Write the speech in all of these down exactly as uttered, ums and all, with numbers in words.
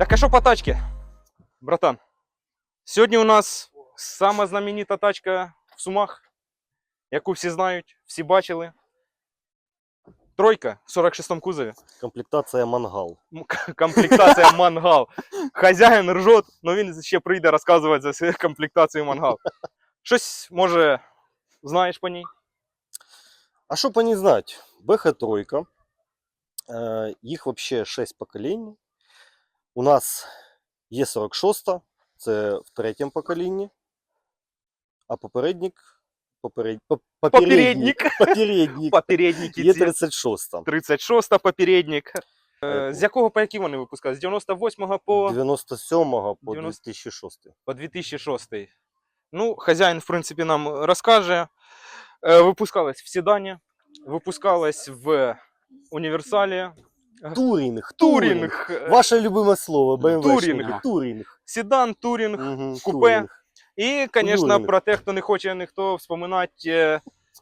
Так а що по тачці, братан? Сьогодні у нас сама знаменита тачка в Сумах, яку всі знають, всі бачили. Тройка в сорок шестому кузові. Комплектація мангал. Комплектація мангал. Хазяїн ржот, але він ще прийде розказувати за свою комплектацію мангал. Щось, може, знаєш по ній? А що по ній знати? бэ ха три. Е, їх взагалі шість поколінь. У нас є сорок шість, це в третьому поколінні. А попередник... Поперед... Попередник. Попередник. Попередники Є ці. тридцять шість. тридцять шість попередник. Е, з якого по які вони випускали? З дев'яносто восьмого по... дев'яносто сьомого по дев'яносто дві тисячі шостий. по дві тисячі шостий. Ну, хазяїн, в принципі, нам розкаже. Е, випускалась в седані, випускалась в універсалі. Турінг. Турінг. Ваше любиме слово, бэ эм вэ. Турінг. Турінг. Седан, турінг, Угу, купе. турінг. І, звісно, Турінг. про те, хто не хоче ніхто вспоминати, е,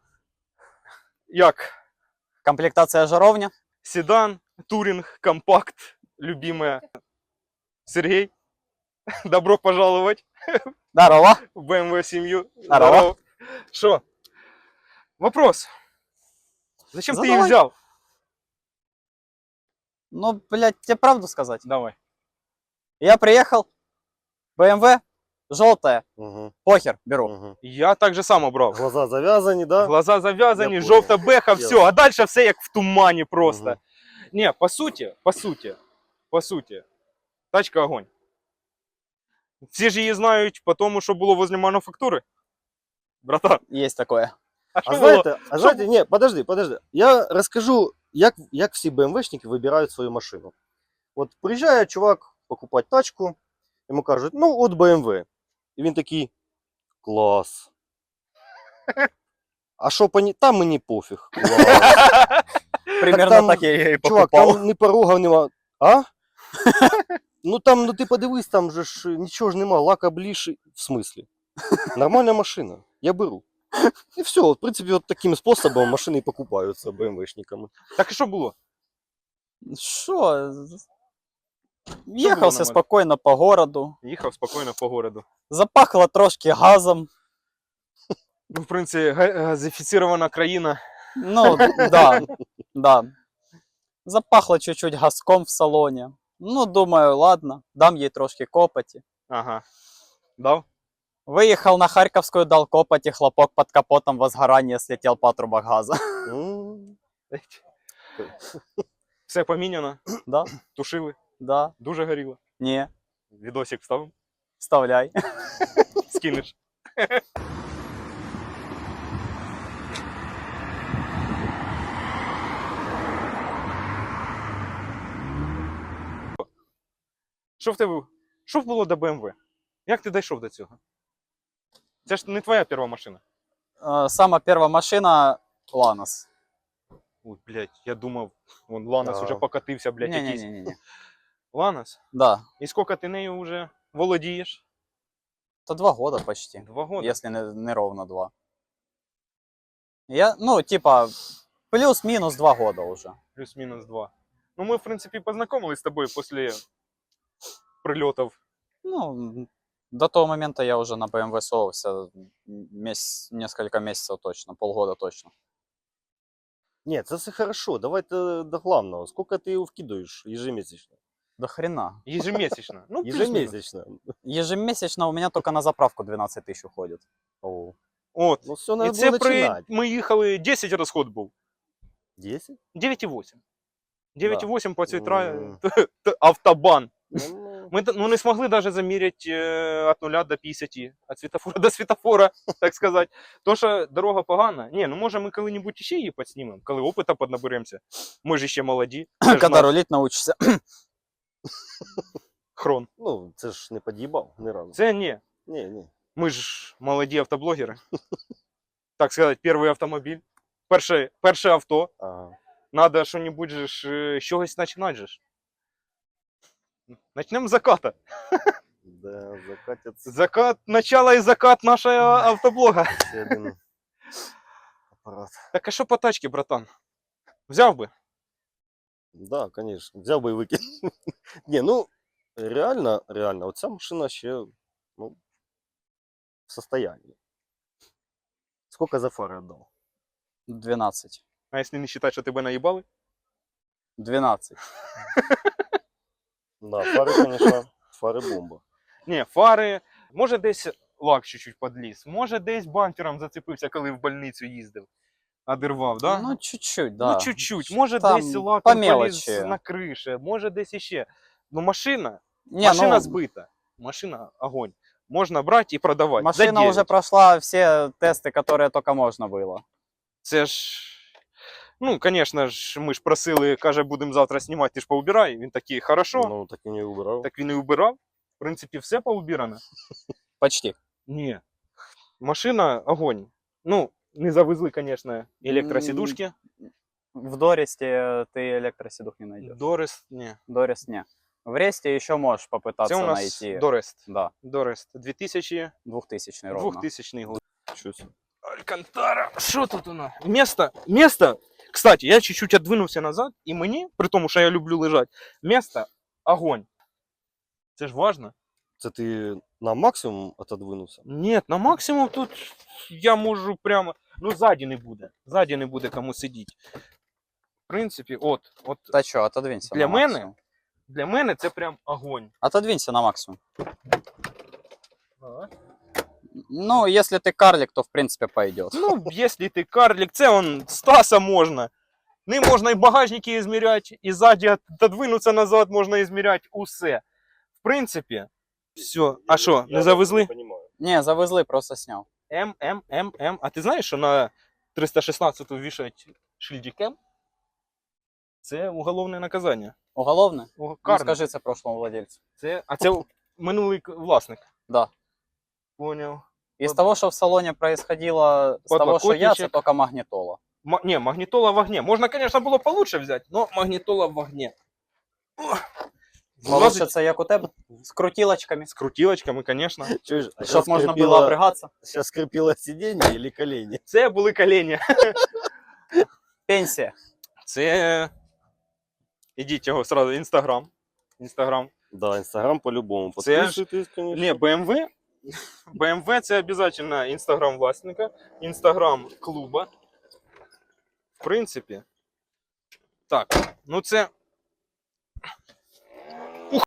як Комплектация жаровня. седан, туринг, компакт, любимая. Сергей, добро пожаловать Здорово. в бэ эм вэ семью. Здорово. Что? Вопрос. Зачем ты их Задавай. взял? Ну, блядь, тебе правду сказать. Давай. Я приехал, бэ эм вэ, желтая, Угу, похер, беру. угу. Я так же само брал. Глаза зав'язані, да? Глаза завязаны, Я желтая бэха, Ясно. все. А дальше все як в тумане просто. Мгм. Не, по сути, по сути, по сути, тачка огонь. Всі ж її знають по тому, що було возле мануфактури. Братан, Есть такое. а що А було? знаєте, а знаєте, ні, подожди, подожди. Я розкажу, як, як всі бэ эм вэ-шники вибирають свою машину. От приїжджає чувак покупати тачку, йому кажуть, ну от бэ эм вэ. І він такий, клас. А що по ній? Там мені пофіг. Клас. Примерно там, так, я и Чувак, покупал. там ні порогів нема. А? Ну там, ну ти подивись, там же ж нічого ж нема, лака ближче. В смислі? Нормальна машина, я беру. І все, в принципі, от таким способом машини і покупаються бэ эм вэ-шниками. Так і що було? Что? было Ехал нормально? себе спокойно по городу. Їхав спокійно по городу. Запахло трошки газом. Ну, в принципі, га- газифіцирована країна. Ну, да, да. Запахло чуть-чуть газком в салоне. Ну, думаю, ладно, дам ей трошки копоти. Ага. Дав? Выехал на Харьковскую, дал копоти, хлопок под капотом, возгорание, слетел патрубок газа. М, Все поміняно, Да, тушили, да, дуже горіло. не, Відосик вставив, вставляй. скинеш. Що в тебе? Що було до бэ эм вэ? Як ти дійшов до цього? Це ж не твоя перша машина. Э, Самая первая машина Ланос. Ой, блядь, я думав, вон Ланос Ага. уже покатився, блядь, якийсь. Не-не-не. Ланос? Да, І скільки ти нею вже володієш? то два года почти, Два года. если не, не ровно два. Я, ну, типа, плюс-минус два года уже. Плюс-мінус два. Ну, ми, в принципі, познайомились з тобою після прильотів. Ну, до того момента я уже на бэ эм вэ совался месяц, несколько месяцев точно, полгода точно. Ні, це все хорошо, давайте до главного. Скільки ти його вкидаєш ежемісячно? До хрена. Ежемесячно. Ну, плюс-мінус. Ежемісячно. Ежемесячно у меня только на заправку двенадцать тысяч уходит. О, От. ну все, І треба це було при... починати. ми їхали, десять розход був. десять? дев'ять і вісім. дев'ять і вісім по цій Мгм. тра... автобан. Ну, Ми ну, не змогли навіть заміряти е, від нуля до п'ятдесят, від світофора до світофора, так сказати. То, що дорога погана. Ні, ну може ми коли-небудь ще її підснімемо, коли опита піднаберемося. Ми ж ще молоді. Це ж Когда наш рулить научишься. хрон. ну, це ж не під'їбав ні разу. Це ні. Ні, ні. Ми ж молоді автоблогери. Так сказати, перший автомобіль. Перше, перше авто. Ага. Надо що-небудь же ж, е, з чогось починати же ж. Начнемо з заката. Да, закатяться Закат, начало і закат нашого автоблога. ще один апарат. Так а що по тачці, братан? Взяв би? Да, конечно. Взяв би і викинув. Ні, ну, реально, реально, оця машина ще ну, в состоянии. Сколько за фары отдал? двенадцать. А якщо не вважати, що тебе наїбали? двенадцать. Да, фары, конечно, фары бомба. Ні, фари, може десь лак чуть-чуть подліз, може десь бампером зацепився, коли в больницю їздив. Одервав, да? Ну, чуть-чуть, да. Ну, чуть-чуть. Може Там десь по лаком поліз мелочі. на криші, може десь іще. Ну, машина, Не, машина ну, збита. Машина огонь. Можна брати і продавати. За машина уже дев'ять. прошла все тесты, которые только можно было. Це ж. Ну, звісно ж, ми ж просили, каже, будемо завтра знімати, ти ж поубирай. Він такий, хорошо. Ну, так и не убрал. Так він і убирав. В принципі, все поубирано. Почти. Ні. Машина огонь. Ну, не завезли, звісно, електросідушки. В Доресте ты электросидух не найдешь. Дорест, ні. Дорест не. В Ресте еще можешь попытаться Це у нас найти. Дорест. Да, Дорест. дві тисячі двухтысячный ровно. двухтисячний год. Чё себе. Алькантара. Що тут у нас? Место, место. Кстати, я чуть-чуть отдвинувся назад, і мені, при тому, що я люблю лежати, место огонь. Це ж важно. Це ти на максимум отодвинувся? Ні, на максимум тут я можу прямо. Ну, ззаді не буде. Ззаді не буде кому сидіти. В принципі, от, от Да что, отодвинься Для на мене? максимум. для мене це прям огонь. Отодвинься на максимум. Ну, если ты карлик, то в принципе пойдет. Ну, якщо ти карлик, це он Стаса можна. Ним можна і багажники ізміряти, і ззаді отодвинутися назад можна ізміряти усе. В принципі, все. А що, не завезли? Не понимаю. Не, завезли, просто снял. М, М, М, М. А ти знаєш, що на триста шістнадцяту вішають шильдик М? Це уголовне наказання. Уголовное? О, Ну, карне. скажи це прошлому владельцу. Це, а це минулий к- власник. Да. Поняв. Из Под- того, что в салоне происходило, с того, что я, это Подлокотничек. только магнитола. Ма- не, магнітола в огне. Можна, конечно, було получше взяти, но магнітола в огне. О! Влазить Получится, як у тебе, с крутилочками, з крутілочками, конечно. Чуєш, а чтобы щас можно скрипіло- было обрыгаться. Сейчас скрипело сиденье или колени? Це були колені. Пенсия. Це. Ідіть його сразу, Інстаграм. Інстаграм. Да, Инстаграм по-любому. Це ж- Подписывайтесь, конечно. Не, бэ эм вэ. бэ эм вэ це обов'язково Інстаграм власника, Інстаграм клуба. В принципі. Так, ну це. Ух!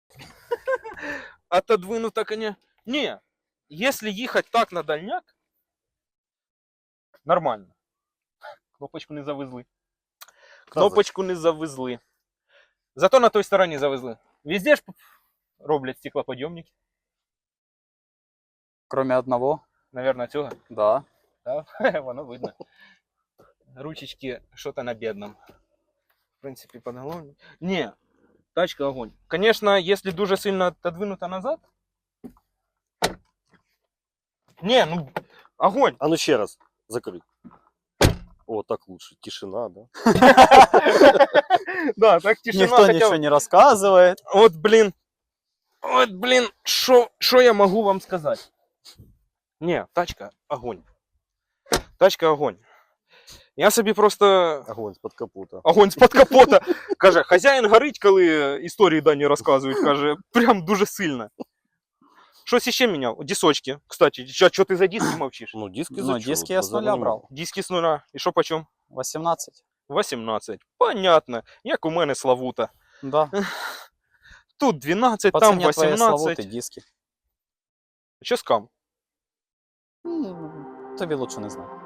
Отодвинуто, коня. Не, якщо їхати так на дальняк, нормально. Кнопочку не завезли. Кнопочку не завезли. Зато на той стороні завезли. Везде ж роблять стеклоподйомники. Кроме одного. Наверное, цього. Да. Да? Воно видно. Ручечки что-то на бедном. В принципе, подголовник. Не, тачка огонь. Конечно, если дуже сильно отодвинуто назад. Не, ну, огонь. А ну еще раз, закрыть. О, так лучше. Тишина, да? Да, так тишина Никто хотя ничего бы. не рассказывает. Вот, блин. Вот, блин, что я могу вам сказать? Не, тачка огонь. Тачка огонь. Я собі просто Огонь з-под капота. огонь з-під капота. Каже, хазяїн горить, коли історії дані розказують. Каже, прям дуже сильно. Щось іще міняв. Дісочки. Кстати, що ти за диски мовчиш? Ну, диски Ну, зачем? диски я с нуля Занимал. брал. Диски з нуля. І що почем? восемнадцать. вісімнадцять. Понятно. Як у мене Славута. Да. Тут дванадцять, По там цене твоей вісімнадцять. славуты диски. Що скам? М, Тобі лучше не знаю.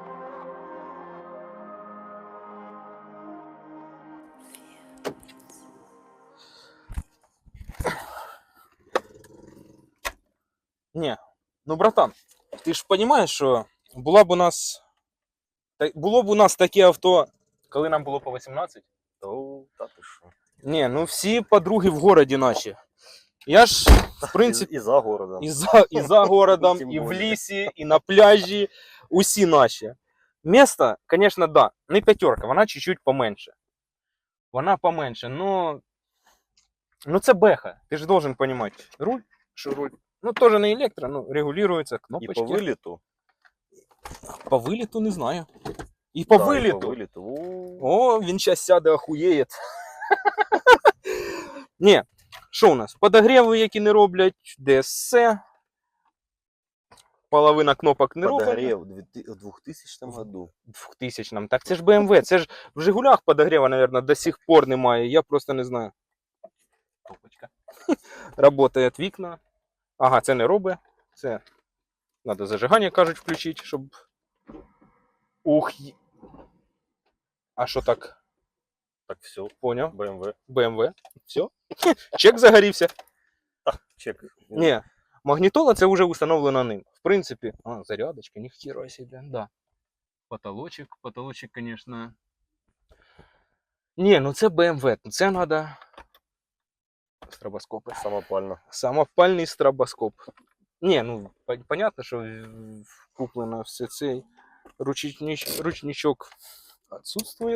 Ні. Ну, братан, ти ж розумієш, що була б у нас... та- було б у нас таке авто, коли нам було по вісімнадцять? О, та ти що. Ні, ну всі подруги в городі наші. Я ж, в принципі, І, і за городом. і за, і за городом, Тим і в більше. лісі, і на пляжі, усі наші. Место, звісно, да, не п'ятерка, вона чуть-чуть поменше. Вона поменше, но... Ну це беха, ти ж должен розуміти. Руль, що руль, ну теж не електро, ну регулюється, І кнопочки. по виліту. По виліту не знаю. І по Да, і виліту. По виліту. О, О, він зараз сяде, охуєє. Ні, Що у нас? Подогріви, які не роблять, ді ес ес. Половина кнопок не роблять. Подогрев в две- в двухтысячном году. двохтисячному. Так це ж бэ ем вэ. Це ж в Жигулях подогріва, мабуть, до сих пор немає. Я просто не знаю. Топочка. Работають вікна. Ага, це не робить. Це треба зажигання, кажуть, включити, щоб. Ух. є- А що так? Так, все, Поняв. бэ эм вэ. бэ ем вэ. Все. Чек загорівся. Чек. Ні. Магнітола це вже установлено ним. В принципі. А, зарядочка, ніхіра себе. Да. Потолочек. Потолочек, конечно. Ні, ну це бэ ем вэ. Це надо. Стробоскопи. Самопально. Самопальний стробоскоп. Ні, ну по- понятно, що в- куплено все цей ручніч, ручничок відсутствує.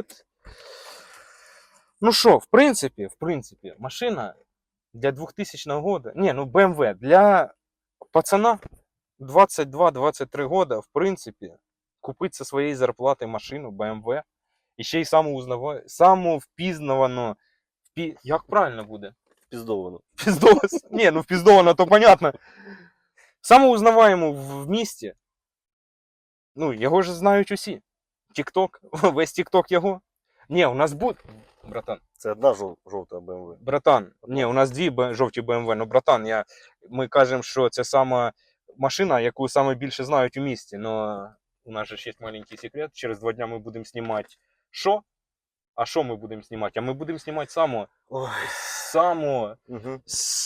Ну що, в принципі, в принципі, машина для двохтисячного года. Ні, ну бэ ем вэ для пацана двадцять два двадцять три года, в принципі, купити зі своєї зарплати машину бэ ем вэ і ще й саму узнава... саму впізнавану. Впі... Як правильно буде? Пиздовано. Пиздовано. Не, ну впиздовано, то понятно. Самоузнаваємо в місті. Ну, його ж знають усі. Тік-ток, весь тік-ток його. Ні, у нас буде. Братан, Це одна жов- жовта бэ эм вэ. братан, ні, у нас дві б- жовті бэ ем вэ. Ну, братан, я... ми кажемо, що це сама машина, яку саме більше знають у місті. Но у нас же ж є маленький секрет. Через два дня ми будемо знімати що? А що ми будемо знімати? А ми будемо знімати саму, Ой. саму Угу.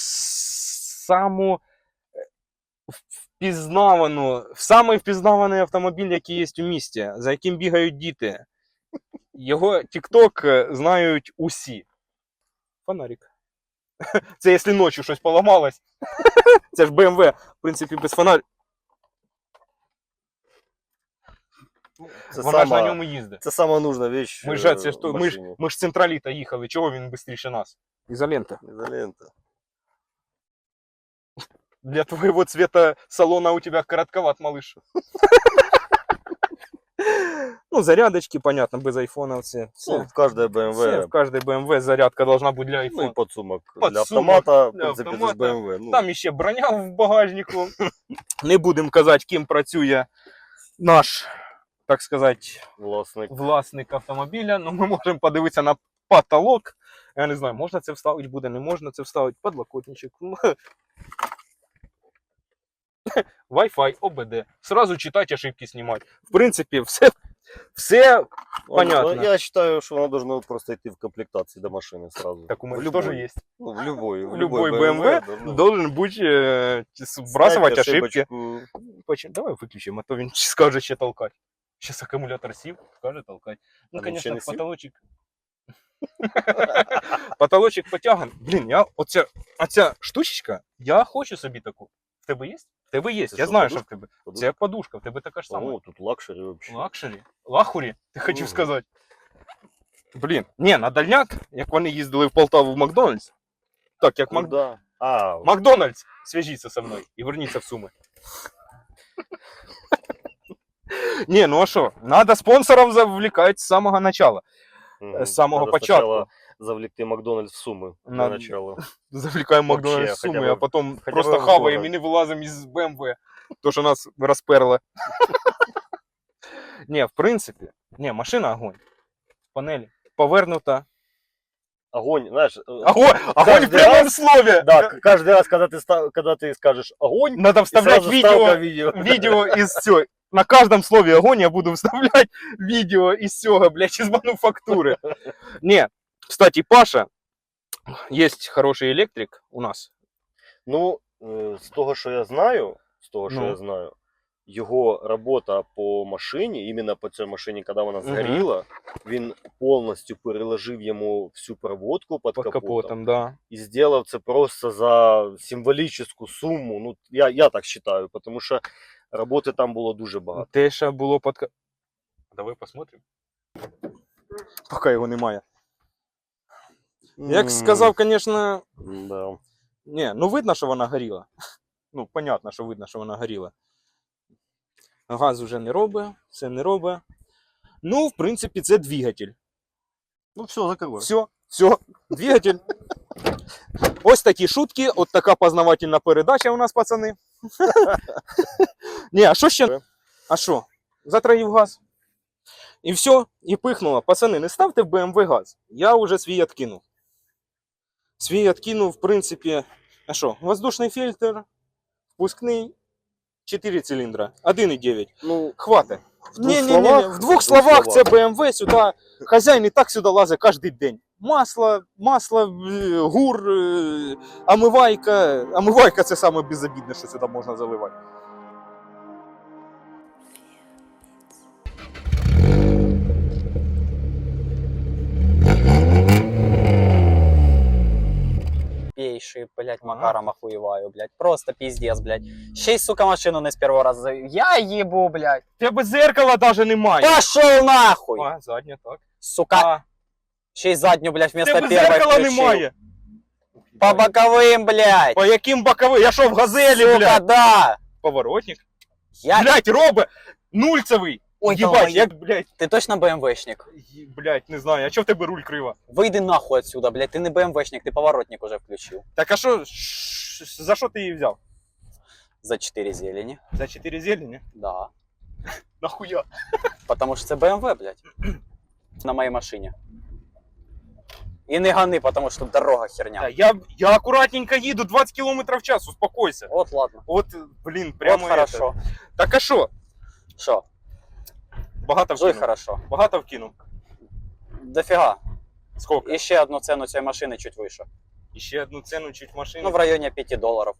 саму впізнавану, самий впізнаваний автомобіль, який є у місті, за яким бігають діти. Його TikTok знають усі. Фонарик. Це якщо ночі щось поламалось. Це ж бэ ем вэ, в принципі, без фонарика. Це Вона ж на сама, ньому їздить. це сама нужна вещь. Ми е, ж, це ж, в то- ми, ж, машині. ми ж з централіта їхали, чого він швидше нас? Ізолента. Изолента. Для твоего цвета салона у тебя коротковат, малыш. Ну, зарядочки, понятно, без айфона все. Ну, Все, в каждой бэ эм все, вэ. в каждой бэ эм вэ зарядка должна быть для Ну и айфона. подсумок. Для Подсумок автомата, в для принципе, это автомата. ж бэ эм вэ. Ну, Там іще броня в багажнику. Не будемо казати, ким працює наш, так сказати, власник. власник автомобіля. Ну, ми можемо подивитися на потолок. Я не знаю, можна це вставити буде, не можна це вставити. Подлокотничок. Wi-Fi, о бэ дэ. Сразу читать, ошибки снимать. В принципе, все, все понятно. Ну, я считаю, что оно должно просто идти в комплектации до машины сразу. Так у В меня любой. тоже есть. Ну, в любой. В любой бэ эм вэ должно должен быть э, сбрасывать снять ошибки. ошибочку. Почему? Давай выключим, а то він скаже ще толкать. Сейчас аккумулятор сів, скаже толкать. Ну, А він ще конечно, не сів? потолочек. Потолочек потяган. Блін, я оця, оця штучечка, я хочу собі таку. В тебе є? В тебе є. Це Я що, знаю, що подушка? в тебе. Подушка? Це подушка, в тебе така ж сама. О, тут лакшери вообще. Лакшері? Лахурі, ти хотів Мгм. сказати. Блін, ні, на дальняк, як вони їздили в Полтаву в Макдональдс. Так, як Мак... Куда? А, Макдональдс, свяжіться зі мною і верніться в Суми. Ні, ну а що, надо спонсорів завлікати з самого начала. мгм. з самого Надо початку. сначала завлекти Макдональдс в Сумы для Надо. начала. Завлікаємо Вообще, Макдональдс в хоча Суми, б- а потім хоча просто б в хаваємо город. і не вилазимо із бэ эм вэ. То, що нас розперло. Ні, в принципі, ні, машина огонь. Панель повернута. Огонь, знаешь, э, Огонь, огонь в каждый прямом раз- слове. да, к- каждый раз, когда ты, ста- когда ты скажешь огонь, Надо и вставлять сразу ставка видео, видео. видео из все. На каждом слове огонь я буду вставлять видео из всего, блядь, из мануфактуры. Не, кстати, Паша, есть хороший электрик у нас. Ну, е, з того, що я знаю, з того, що Ну. я знаю, його робота по машині, іменно по цій машині, коли вона згоріла, він повністю переложив йому всю проводку під, Под капотом, капотом, да. і зробив це просто за символічну суму. Ну, я, я так вважаю, тому що роботи там було дуже багато. Те, що було під капотом. Давай посмотрим. Поки його немає. Як М, сказав, звісно, Да. не, ну видно, що вона горіла. Ну, понятно, що видно, що вона горіла. Газ вже не робить, все не робить. Ну, в принципі, це двигатель. Ну, все, закрывай. Все, все, двигатель. Ось такі шутки, от така познавательна передача у нас, пацани. Ні, а що ще? А що? Затраїв газ. І все, і пихнуло. Пацани, не ставте в Б М В газ. Я вже свій откинув. Свій откинув, в принципі, а що? Воздушний фільтр, впускний, чотири циліндра, один і дев'ять. Ну, Хватить. в двух Ні, ні, ні, словах, в двох словах це Б М В, сюди, хазяїн і так сюди лазить кожен день. Масло, масло, е, гур, е, омивайка. Омивайка це саме безобідне, що сюди можна заливати. Пейший, блядь, Ага. Макаром охуеваю, блядь. Просто пиздец, блядь. Ще й, сука, машину не з першого разу завів. Я їбу, блядь. Тебе зеркала навіть немає. Пошел нахуй! А, задня, так. Сука, А, ще й задню, блядь, вместо тебе первой зеркала включив. немає. По боковым, блядь. По яким боковим? Я що, в газелі, Сука, блядь? да. Поворотник. Я... Блядь, робе, нульцевий. Ой, Єбать, давай. як, блядь, Ти точно БМВшник? є- блядь, не знаю, а чого в тебе руль крива? Вийди нахуй отсюда, блядь, ти не БМВшник, ти поворотник уже включив. Так а що, ш- за що ти її взяв? За чотири зелені. За чотири зелені? Да. Нахуя? Потому що це БМВ, блядь. На моїй машині. І не гани, потому що тут дорога херня. Да, я, я акуратненько їду, двадцять кілометрів в час, успокойся. От ладно. От, блін, прямо От хорошо. это. Так а що? Що? Багато Жуй вкинув? хорошо. Багато вкинув? Дофіга. Сколько? І ще одну ціну цієї машини чуть вище. І ще одну ціну чуть машини. Ну, в районі п'яти доларів.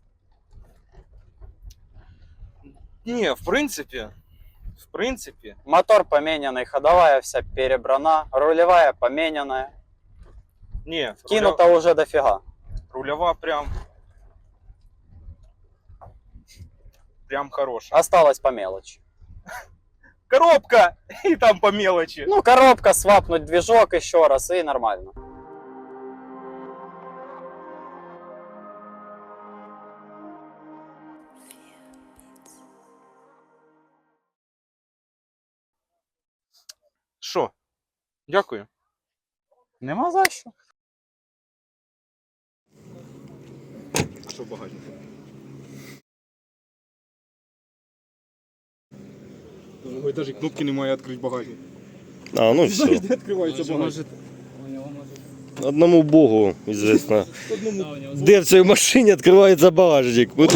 Ні, в принципі, в принципі, Мотор поменянный, ходовая вся перебрана, рулевая поменянная. ні, руля, Кинуто уже дофига. рульова прям, прям хороша. Осталось по мелочи. Коробка! І там по мелочи. Ну, коробка, свапнуть движок еще раз и нормально. Що? Дякую. Нема за що. А що в багажнику? Ой, даже кнопки немає відкрити багажник. А, ну все. Де відкривається багажник? Одному богу известно. Одному. Де в цій машині відкривається багажник.